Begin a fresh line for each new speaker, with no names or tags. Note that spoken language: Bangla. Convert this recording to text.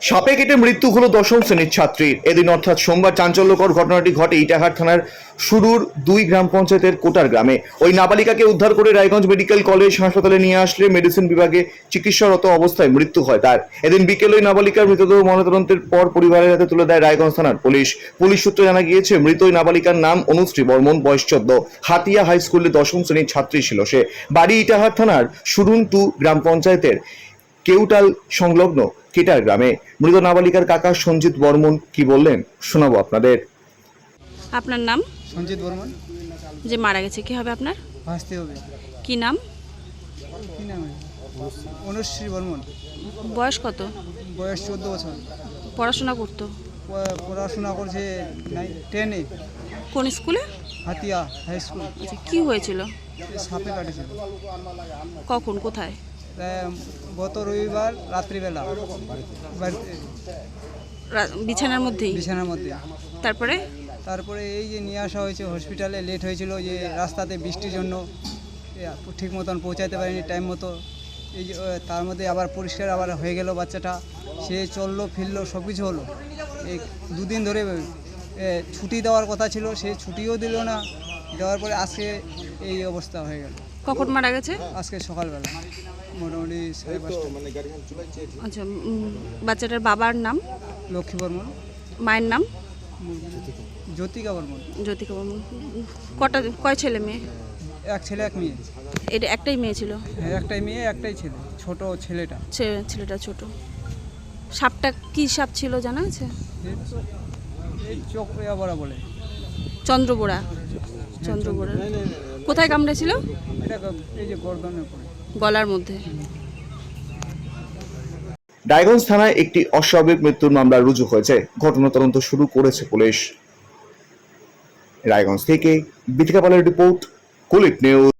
সাপে কেটে মৃত্যু হলো দশম শ্রেণীর ছাত্রীর। এদিন অর্থাৎ সোমবার চাঞ্চল্যকর ঘটনাটি ঘটে ইটাহার থানার শুরুর 2 গ্রাম পঞ্চায়েতের কোটার গ্রামে। ওই নাবালিকাকে উদ্ধার করে রায়গঞ্জ মেডিকেল কলেজ হাসপাতালে নিয়ে আসলে মেডিসিন বিভাগে চিকিৎসারত অবস্থায় মৃত্যু হয় তার। এদিন বিকেলে ওই নাবালিকার মৃতদেহ ময়নাতদন্তের পর পরিবারের হাতে তুলে দেয় রায়গঞ্জ থানার পুলিশ। পুলিশ সূত্রে জানা গিয়েছে, মৃত ওই নাবালিকার নাম অনুশ্রী বর্মন, বয়স 14। হাতিয়া হাই স্কুলে দশম শ্রেণীর ছাত্রী ছিল সে। বাড়ি ইটাহার থানার শুরুন 2 গ্রাম পঞ্চায়েতের কেউটাল সংলগ্ন কেটার গ্রামে। মৃত নাবালিকার কাকা সঞ্জিত বর্মন কি বললেন শোনাবো আপনাদের।
আপনার নাম?
সঞ্জিত বর্মন।
যে মারা গেছে কি হবে আপনার?
ভাসতে হবে।
কি নাম?
কি নাম? অনুশ্রী বর্মন।
বয়স কত?
বয়স 14 বছর।
পড়াশোনা করতো?
পড়াশোনা করছে 10-এ।
কোন স্কুলে?
Hatia high school.
আচ্ছা, কি হয়েছিল?
সাপে কাটেছিল।
কখন, কোথায়?
গত রবিবার রাত্রিবেলা বাড়িতে
বিছানার মধ্যেই?
বিছানার মধ্যে।
তারপরে
এই যে নিয়ে আসা হয়েছে হসপিটালে, লেট হয়েছিল যে রাস্তাতে বৃষ্টির জন্য ঠিক মতন পৌঁছাতে পারিনি টাইম মতো। এই যে তার মধ্যে আবার পরিষ্কার আবার হয়ে গেল বাচ্চাটা, সে চললো ফিরলো সব কিছু হলো। এই 2 দিন ধরে ছুটি দেওয়ার কথা ছিল, সে ছুটিও দিল না। দেওয়ার পরে আজকে এই অবস্থা হয়ে গেল।
কখন মারা গেছে?
আজকে সকালবেলা মোটামুটি 5:30।
আচ্ছা, বাচ্চাটার বাবার নাম?
লক্ষ্মী বর্মন।
মায়ের নাম?
জ্যোতিকা বর্মন।
জ্যোতিকা বর্মন। কয় ছেলে মেয়ে?
এক ছেলে এক মেয়ে।
এটা একটাই মেয়ে ছিল?
হ্যাঁ, একটাই মেয়ে একটাই ছেলে, ছোট ছেলেটা।
ছেলেটা ছোট। সাপটা কি সাপ ছিল জানা আছে?
এই চোখ বড়া বলে
চন্দ্রবোড়া। চন্দ্রবোড়া। কোথায় কামড়েছিল?
এটা এই যে গর্দনের পরে,
গলার মধ্যে।
রায়গঞ্জ থানায় একটি অস্বাভাবিক মৃত্যুর মামলা রুজু হয়েছে। ঘটনা তদন্ত শুরু করেছে পুলিশ। রায়গঞ্জ থেকে বিথিকা পালের রিপোর্ট, কুলিক নিউজ।